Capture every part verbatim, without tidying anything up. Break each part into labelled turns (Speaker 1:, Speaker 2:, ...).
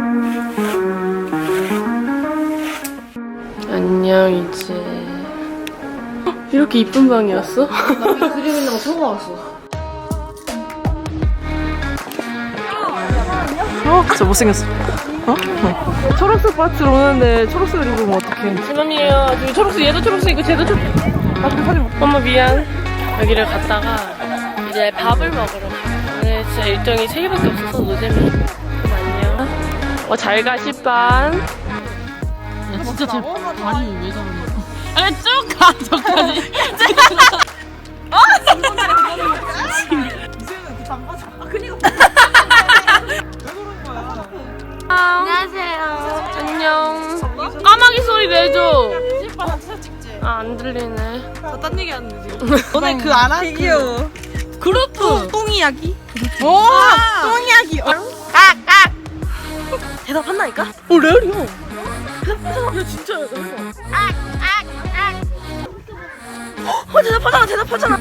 Speaker 1: 안녕 이제. 이렇게 이쁜 방이었어?
Speaker 2: 나 그림 있는 거 처음 알았어.
Speaker 3: 어? 진짜 못생겼어. 어? 어. 초록색 바지로 오는데 초록색을 입으면 어떡해.
Speaker 1: 지금이에요. 지금 초록색, 얘도 초록색이고 쟤도 초록색.
Speaker 3: 아, 근데 사진 못.
Speaker 1: 엄마 미안. 여기를 갔다가 이제 밥을 먹으러 가요. 오늘 진짜 일정이 세 개밖에 없어서 노잼이. 그럼 안녕. 어, 잘 가, 시반. 야, 진짜 제 다리 왜 저러냐. 아, 쭉 가, 저까지. 어? 안녕하세요. 안녕. 까마귀 소리 내줘. 아, 안 들리네.
Speaker 3: 딴 얘기 하는데 지금. 너네 그 알아? 되게 귀여워.
Speaker 1: 그룹프.
Speaker 3: 똥 이야기? 오! 똥 이야기. 깍깍. 대답한다니까?
Speaker 1: 어, 레알이야.
Speaker 3: 야 진짜야. 어 대답하잖아 대답하잖아.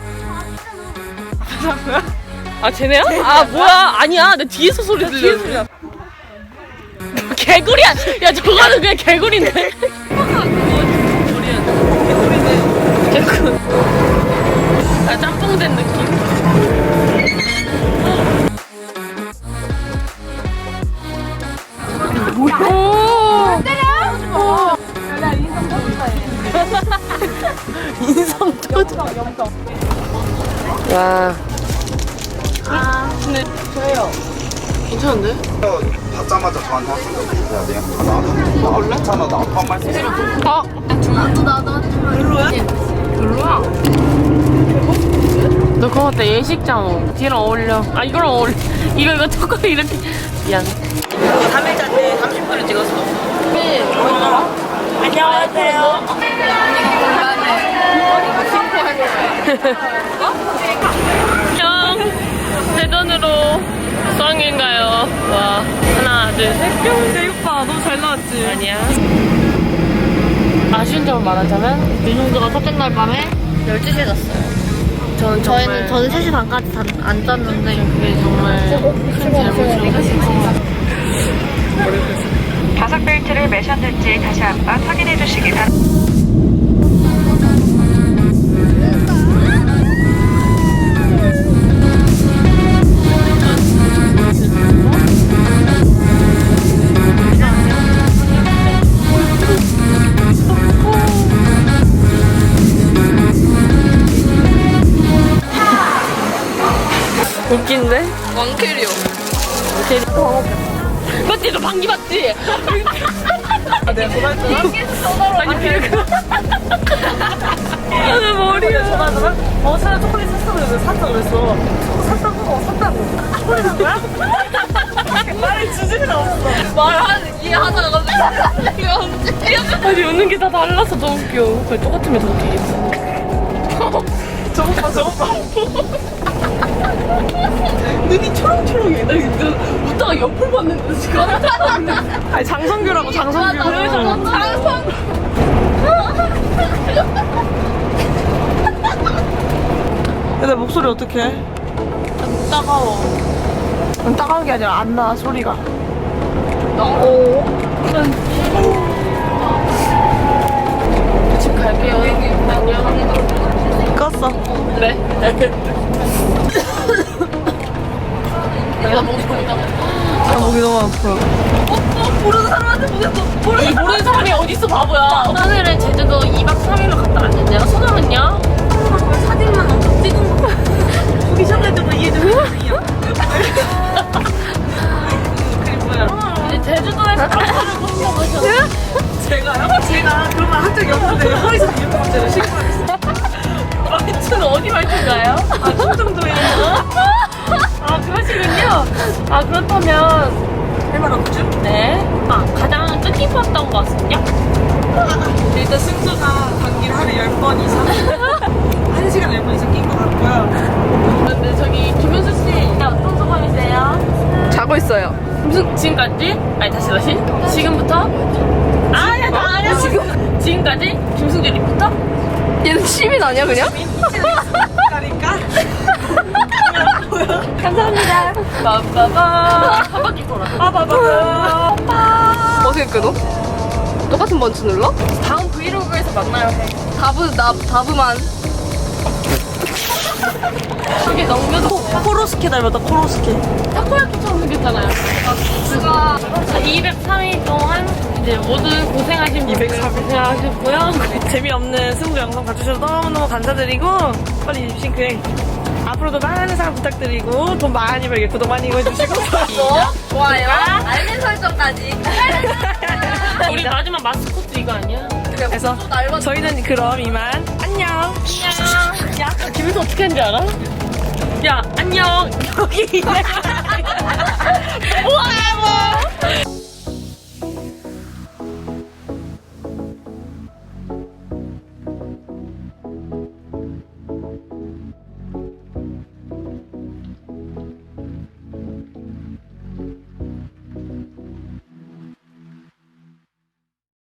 Speaker 1: 아, 쟤네야? 아, 뭐야. 아니야. 내 뒤에서 소리 들려.
Speaker 3: 뒤에 소리야.
Speaker 1: 개구리야. 야, 저거는 그냥 개구리네. 개구리. 아, 짬뽕 된 느낌. 뭐야? 오! 때려! 인성 터져. 와. 아, 근데 저예요. 괜찮은데?
Speaker 4: 받자마자 저한테 하신 거 해야 돼요? 나도 나 원래 괜찮아. 나 아빠 말씀 싫어.
Speaker 1: 아,
Speaker 3: 별로야?
Speaker 1: 별로야. 너 그거 어때? 예식장 뒤랑 어울려. 아, 이거랑 어울려. 이거 이거 조금 이렇게. 미안.
Speaker 3: 삼 일차인데 삼십 분을 찍었어.
Speaker 1: 네.
Speaker 3: 안녕하세요.
Speaker 1: 안녕. 대전으로 수학여행가요. 와. 하나, 둘, 셋.
Speaker 3: 근데 오빠 너무 잘 나왔지?
Speaker 1: 아니야. 아쉬운 점을 말하자면
Speaker 2: 윤종주가 첫째 날 밤에 열두 시에 잤어요.
Speaker 1: 저는 정말
Speaker 2: 저희는 저는 세 시 반까지 다, 안 잤는데
Speaker 1: 그게 정말 큰 잘못이었어요.
Speaker 5: 좌석 벨트를 매셨는지 다시 한번 확인해 주시기 바랍니다.
Speaker 1: 웃긴데?
Speaker 2: 왕캐리어.
Speaker 1: 제일 맞지? 너 방귀 맞지?
Speaker 3: 아, 내가 전화했잖아.
Speaker 1: 아니 비르크 나는 머리야.
Speaker 3: 전화하더라? 어, 사야 초콜릿 샀어. 그래서 샀다 그랬어. 샀다고? 어, 샀다고. 초콜릿 산 거야? 말이 주제가 없어.
Speaker 2: 말하는 이해하다가 갑자기 이거 언제?
Speaker 1: 아니 웃는 게 다 달라서 너무 웃겨. 그래 똑같으면 더 웃기겠어.
Speaker 3: 저거 봐, 저거 봐. 눈이 초롱초롱해. 나 이거 웃다가 옆을 봤는데 지금. 아니, 장성규라고, 장성규.
Speaker 2: 장성.
Speaker 3: 야, 내 목소리 어떡해?
Speaker 1: 따가워.
Speaker 3: 따가운 게 아니라 안 나, 소리가.
Speaker 1: 집 갈게요. 안녕.
Speaker 3: 껐어.
Speaker 1: 네. 내가 목이 보인다고.
Speaker 3: 아, 목이 너무 아파.
Speaker 1: 모르는 사람한테 보냈어. 모르는, 모르는 사람이 어딨어 바보야. 오늘은 제주도 이 박 삼 일로 갔다 왔는데 내가 소감은요?
Speaker 3: 사진만 엄청 찍은 거. 보기 전에도 이해 좀 해주세요. 그게 뭐야?
Speaker 1: 이제 제주도에서 카페를 못 먹으셨어요?
Speaker 3: 제가요? 제가 그런 말 한 적이 없는데 허리서 이렇게 문제를 신고했어요.
Speaker 1: 말투는 어디 말투인가요?
Speaker 3: 아, 충청도에
Speaker 1: 아 그러시군요. 아 그렇다면
Speaker 3: 할말 없죠?
Speaker 1: 네. 아 가장 뜻깊었던 것은요?
Speaker 3: 일단 승주가 감기를 하루에 열 번 이상 한 시간 열 번 이상 낀 것 같고요.
Speaker 1: 근데 저기 김은수 씨 어떤 소감이세요?
Speaker 3: 자고 있어요.
Speaker 1: 무슨 지금까지? 아니 다시 다시 지금부터? 아야 나 아니야 지금 지금까지 김승재 리포터?
Speaker 2: 얘는 시민 아니야 그냥?
Speaker 3: 그러니까
Speaker 1: 감사합니다. 빠빠바 한 바퀴 돌아.
Speaker 3: 빠바바
Speaker 2: 끊어? 똑같은 번치 눌러?
Speaker 1: 다음 브이로그에서 만나요. 해.
Speaker 2: 다브 나 다브만.
Speaker 1: 저게 넘겨도
Speaker 3: 코로스케 닮았다, 코로스케.
Speaker 1: 타코야키처럼 생겼잖아요.
Speaker 2: 누가
Speaker 1: 이백삼 일 동안 이제 모두 고생하신 분들
Speaker 3: 이백삼 일.
Speaker 1: 고생하셨고요.
Speaker 3: 재미없는 승부 영상 봐주셔서 너무너무 감사드리고, 빨리 립싱크행. 앞으로도 많은 사랑 부탁드리고, 돈 많이 벌게 구독 많이 해주시고.
Speaker 2: 좋아요. 알림 설정까지.
Speaker 1: 우리 마지막 마스코트 이거 아니야?
Speaker 3: 그래서
Speaker 2: 날만
Speaker 3: 저희는 그럼 이만 안녕.
Speaker 1: 야, 김혜수 어떻게 하는지 알아? 야, 안녕. 여기 있네. 우와,